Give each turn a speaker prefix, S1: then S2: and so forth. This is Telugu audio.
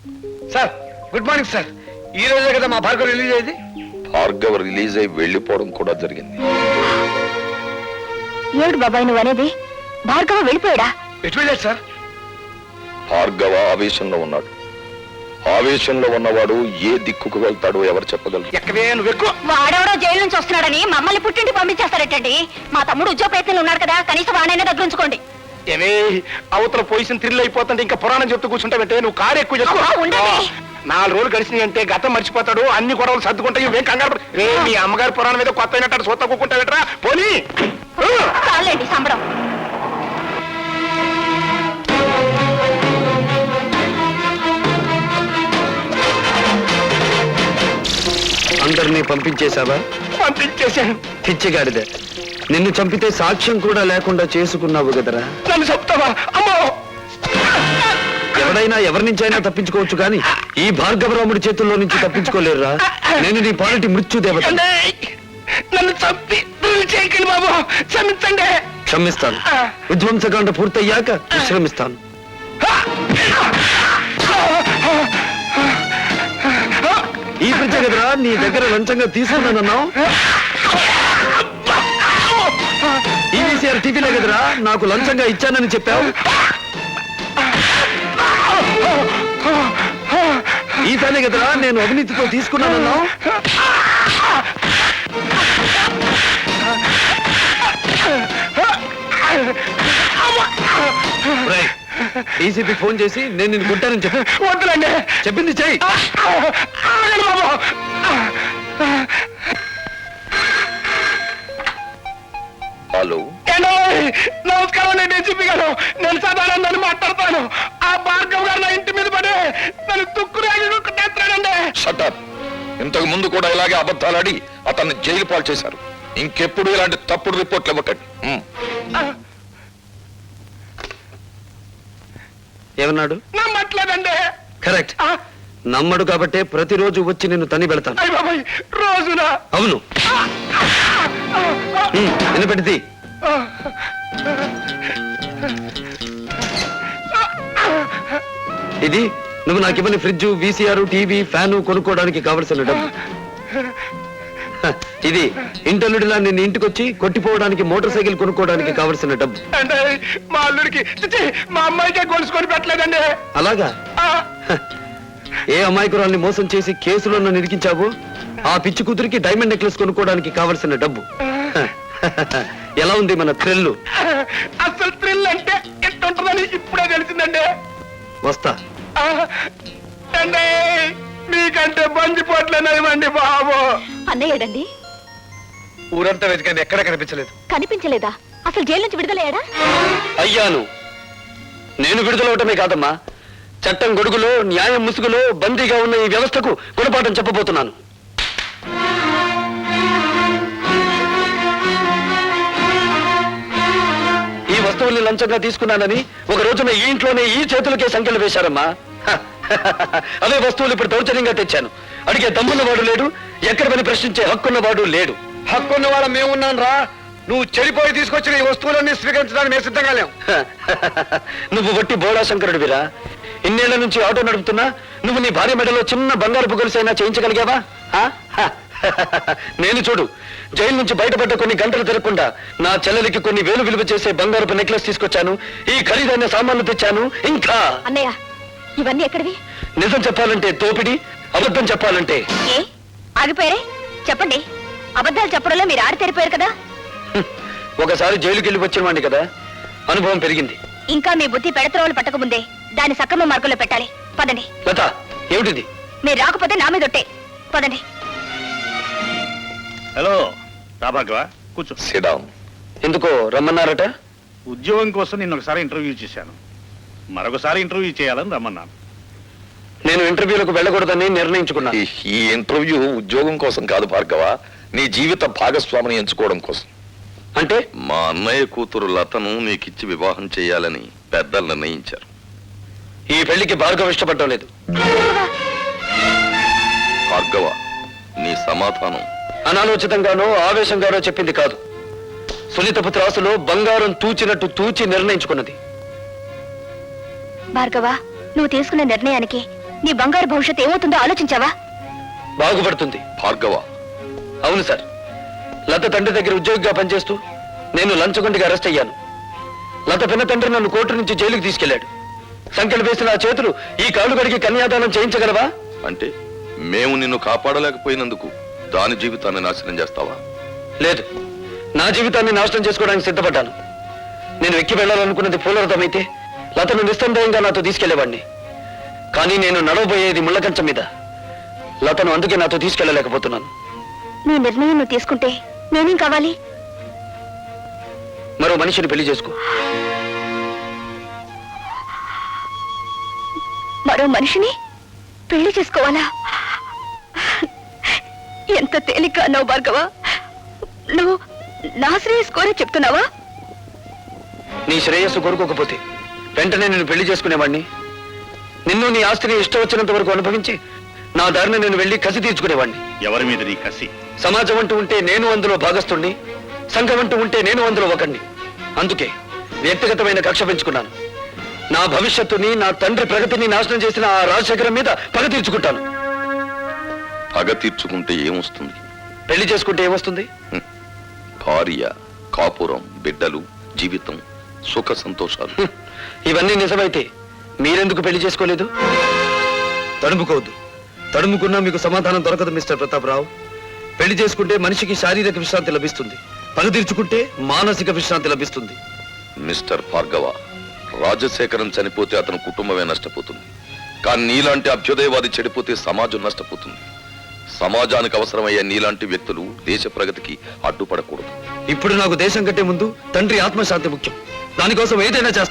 S1: Sir good morning sir. ఈ రోజే కదా మా భార్గవ్ రిలీజ్ అయ్యేది.
S2: భార్గవ్ రిలీజ్ అయి వెళ్లిపోవడం కూడా జరిగింది.
S3: ఏడు బాబాయ్ నువ్వు అనేది? భార్గవ వెళ్ళిపోయాడా?
S1: ఎటు వెళ్ళాడు సార్?
S2: భార్గవ ఆవేశంలో ఉన్నాడు. ఆవేశంలో ఉన్నవాడు ఏ దిక్కుకు వెళ్తాడో ఎవరు చెప్పగలరు?
S1: ఎక్కడే నువ్వు ఎక్కువ.
S3: వాడెవడో జైలు నుంచి వస్తున్నాడని మమ్మల్ని పుట్టింటి పంపించేస్తారటండి. మా తమ్ముడు ఉద్యోగ ప్రయత్నంలో ఉన్నాడు కదా, కనీసం వాడైనా దగ్గర ఉంచుకోండి.
S1: ఏమే అవతల పొజిషన్ థ్రిల్ అయిపోతుంటే ఇంకా పురాణం చెప్తూ కూర్చుంటావంటే నువ్వు కారు ఎక్కువ చెప్తావు. 4 రోజులు గడిచినాయి అంటే గతం మర్చిపోతాడు, అన్ని గొడవలు సర్దుకుంటాయి. ఇవేం కంగారు రే, మీ అమ్మగారి పురాణం మీద కొత్త అయినట్టు సొత్త కూకుంటావేట్రా పోనీ.
S3: చాలండి సంబడం.
S4: అందరినీ పంపించేశావా?
S1: పంపించేశాను.
S4: పిచ్చిగాడిదే, నిన్ను చంపితే సాక్ష్యం కూడా లేకుండా చేసుకున్నావు కదరా.
S1: నన్ను చెప్తావా? అమ్మో,
S4: ఎవడైనా ఎవరి నుంచైనా తప్పించుకోవచ్చు కానీ ఈ భార్గవరాముడి చేతుల్లో నుంచి తప్పించుకోలేరురా. నేను నీ పాలిటి మృత్యుదేవత.
S1: నన్ను చంపి చేయకండి బాబు, క్షమించండి.
S4: క్షమిస్తాను. విధ్వంసకాండ పూర్తయ్యాక విశ్రమిస్తాను. ఈ పిచ్చ కదరా నీ దగ్గర లంచంగా తీసుకున్నానన్నావు. ఈవీసీఆర్ టీవీలో కదరా నాకు లంచంగా ఇచ్చానని చెప్పావు. ఈ పనే కదరా నేను అవినీతితో తీసుకున్నానన్నావు. డీసీపీ ఫోన్ చేసి నేను నిన్ను కొట్టానని చెప్పి.
S1: వద్దులండి,
S4: చెప్పింది చెయ్యి.
S1: బాబు.
S2: హలో,
S1: నమస్కారం. నేను డీసీపీ గారు, నేను సదానందని మాట్లాడతాను. ఆ భార్గవ్ గారు నా ఇంటి మీద పడి నన్ను తుక్కురాగిస్తాడండి.
S2: షటప్. ఇంతకు ముందు కూడా ఇలాగే అబద్ధాలాడి అతన్ని జైలు పాలు చేశారు. ఇంకెప్పుడు ఇలాంటి తప్పుడు రిపోర్ట్లు ఇవ్వకండి.
S4: ఏమన్నాడు?
S1: నమ్మట్లేదండి.
S4: కరెక్ట్. నమ్మడు కాబట్టే ప్రతిరోజు వచ్చి నిన్ను తని పెడతాను.
S1: అయ్య బాబాయ్, రోజునా?
S4: అవును. వినపెడితే ఇది నువ్వు నాకు ఇవ్వని ఫ్రిడ్జ్, వీసీఆర్, టీవీ, ఫ్యాను కొనుక్కోవడానికి కావలసిన డబ్బు. ఇది ఇంటల్లుడిలా నిన్ను ఇంటికొచ్చి కొట్టిపోవడానికి మోటార్ సైకిల్ కొనుక్కోవడానికి కావలసిన డబ్బు.
S1: అంటే మా అల్లుడికి మా అమ్మాయికే గొలుసుకొని పెట్టలేదండి.
S4: అలాగా? ఏ అమాయకురాల్ని మోసం చేసి కేసులో నన్ను ఇరికించావు ఆ పిచ్చి కూతురికి డైమండ్ నెక్లెస్ కొనుక్కోవడానికి కావలసిన డబ్బు. ఎలా ఉంది మన థ్రిల్?
S1: అసలు థ్రిల్ అంటే ఎట్టుంటుందని ఇప్పుడే తెలిసిందండి.
S4: వస్తా.
S1: అంటే మీకంటే బంజిపోట్లేనివ్వండి బాబు.
S3: అన్నయ్యడండి.
S1: ఊరంతా వెతికండి, ఎక్కడ కనిపించలేదు.
S3: కనిపించలేదా? అసలు జైలు నుంచి విడుదలయ్యాడా?
S4: అయ్యాను. నేను విడుదలవటమే కాదమ్మా, చట్టం గొడుగులో న్యాయం ముసుగులో బందీగా ఉన్న ఈ వ్యవస్థకు గుణపాఠం చెప్పబోతున్నాను. ఈ వస్తువుల్ని లంచంగా తీసుకున్నానని ఒక రోజున ఈ ఇంట్లోనే ఈ చేతులకే సంఖ్యలు వేశారమ్మా. అవే వస్తువులు ఇప్పుడు దౌర్జన్యంగా తెచ్చాను. అడిగే దమ్మున్నవాడు లేడు, ఎక్కడ పని ప్రశ్నించే హక్కున్నవాడు లేడు.
S1: హక్కున్న వాళ్ళ మేమున్నాను రా. నువ్వు చెడిపోయి తీసుకొచ్చిన ఈ వస్తువులన్నీ స్వీకరించడానికి మేము సిద్ధంగా లేవు.
S4: నువ్వు వట్టి బోడా శంకరుడివిరా. ఇన్నేళ్ల నుంచి ఆటో నడుపుతున్నా నువ్వు నీ భార్య మెడలో చిన్న బంగారు గొలుసైనా చేయించగలిగావా? నేను చూడు, జైలు నుంచి బయటపడ్డ కొన్ని గంటలు తిరగకుండా నా చెల్లెలికి కొన్ని వేలు విలువ చేసే బంగారపు నెక్లెస్ తీసుకొచ్చాను, ఈ ఖరీదైన సామాన్లు తెచ్చాను. ఇంకా
S3: అన్నయ్య, ఇవన్నీ ఎక్కడివి?
S4: నిజం చెప్పాలంటే తోపిడి, అబద్ధం చెప్పాలంటే.
S3: ఏ ఆగిపోయారే? చెప్పండి. అబద్ధాలు చెప్పడంలో మీరు ఆడితేరిపోయారు కదా.
S4: ఒకసారి జైలుకి వెళ్ళి వచ్చిన వాడిని కదా, అనుభవం పెరిగింది.
S3: ఇంకా మీ బుద్ధి పెడత్రోలు పట్టకముందే దాని సక్రమ మార్గంలో పెట్టాలి. పదండి.
S4: లత, ఏమిటిది?
S3: మీరు రాకపోతే నా మీద ఒట్టే. పదండి.
S5: హలో రాభాగవ, కూర్చో.
S2: Sit down.
S4: ఎందుకో రమ్మన్నారట?
S5: ఉద్యోగం కోసం నిన్న ఒకసారి ఇంటర్వ్యూ చేశాను, మరొకసారి ఇంటర్వ్యూ చేయాలని రమ్మన్నాను.
S4: నేను ఇంటర్వ్యూలకు వెళ్ళకూడదని నిర్ణయించుకున్నాను.
S2: ఈ ఇంటర్వ్యూ ఉద్యోగం కోసం కాదు భార్గవ, నీ జీవిత భాగస్వామిని ఎంచుకోవడం కోసం.
S4: అంటే
S2: మా అన్నయ్య కూతురు లతను నీకిచ్చి వివాహం చేయాలని పెద్దలు నిర్ణయించారు.
S4: ఈ పెళ్లికి భార్గవ ఇష్టపడటం లేదు.
S2: భార్గవ, నీ సమాధానం
S4: అనాలోచితంగానో ఆవేశంగానో చెప్పింది కాదు. సునీతపు త్రాసులో బంగారం తూచినట్టు తూచి నిర్ణయించుకున్నది.
S3: భార్గవ, నువ్వు తీసుకున్న నిర్ణయానికి నీ బంగారు భవిష్యత్తు ఏమవుతుందో ఆలోచించావా?
S4: బాగుపడుతుంది.
S2: భార్గవ,
S4: అవును సార్, లత తండ్రి దగ్గర ఉద్యోగిగా పనిచేస్తూ నేను లంచగొండిగా అరెస్ట్ అయ్యాను. లత పిన్న తండ్రి నన్ను కోర్టు నుంచి జైలుకి తీసుకెళ్లాడు. సంఖ్యలు వేసిన ఆ చేతులు ఈ కాళ్ళు కడిగి కన్యాదానం చేయించగలవా?
S2: అంటే మేము నిన్ను కాపాడలేకపోయినందుకు దాని జీవితాన్ని నాశనం చేస్తావా?
S4: లేదు, నా జీవితాన్ని నాశనం చేసుకోవడానికి సిద్ధపడ్డాను. నేను ఎక్కి వెళ్ళాలనుకున్నది పూలరథమైతే లతను నిస్సందేహంగా నాతో తీసుకెళ్లేవాడిని. కానీ నేను నడవబోయేది ముళ్ళకంచం మీద. లతను అందుకే నాతో తీసుకెళ్లలేకపోతున్నాను.
S3: నీ నిర్ణయం నువ్వు తీసుకుంటే నేనేం కావాలి?
S4: మరో మనిషిని పెళ్లి చేసుకో.
S3: మరో మనిషిని పెళ్లి చేసుకోవాలా? ఎంత తేలిక అన్నావు భార్గవ. నువ్వు నా శ్రేయస్ కోరే చెప్తున్నావా?
S4: నీ శ్రేయస్సు కోరుకోకపోతే వెంటనే నేను పెళ్లి చేసుకునేవాడిని. నిన్ను నీ ఆస్తిని ఇష్టం వచ్చినంత వరకు అనుభవించి నా దారిని నేను వెళ్లి కసి తీర్చుకునేవాడిని.
S5: ఎవరి మీద నీ కసి?
S4: సమాజం అంటూ ఉంటే నేను అందులో భాగస్తుణ్ణి, సంఘం అంటూ ఉంటే నేను అందులో ఒకణ్ణి. అందుకే వ్యక్తిగతమైన కక్ష పెంచుకున్నాను. నా భవిష్యత్తుని, నా తండ్రి ప్రగతిని నాశనం చేసిన ఆ రాజశేఖరం మీద పగ తీర్చుకుంటాను.
S2: పగ తీర్చుకుంటే ఏమొస్తుంది?
S4: పెళ్లి చేసుకుంటే ఏమొస్తుంది?
S2: భార్య, కాపురం, బిడ్డలు, జీవితం, సుఖ సంతోషాలు.
S4: ఇవన్నీ నిజమైతే మీరెందుకు పెళ్లి చేసుకోలేదు? తడుముకోవద్దు. తడుముకున్నా మీకు సమాధానం దొరకదు మిస్టర్ ప్రతాపరావు. పెళ్లి చేసుకుంటే మనిషికి శారీరక విశ్రాంతి లభిస్తుంది, పగ తీర్చుకుంటే మానసిక విశ్రాంతి లభిస్తుంది.
S2: మిస్టర్ భార్గవ, రాజశేఖరం చనిపోతే అతని కుటుంబమే నష్టపోతుంది. కానీ నీలాంటి అభ్యుదయవాది చెడిపోతే సమాజం నష్టపోతుంది. సమాజానికి అవసరమయ్యే నీలాంటి వ్యక్తులు దేశ ప్రగతికి అడ్డుపడకూడదు.
S4: ఇప్పుడు నాకు దేశం కంటే ముందు తండ్రి ఆత్మశాంతి ముఖ్యం. దానికోసం ఏదైనా చేస్తాను.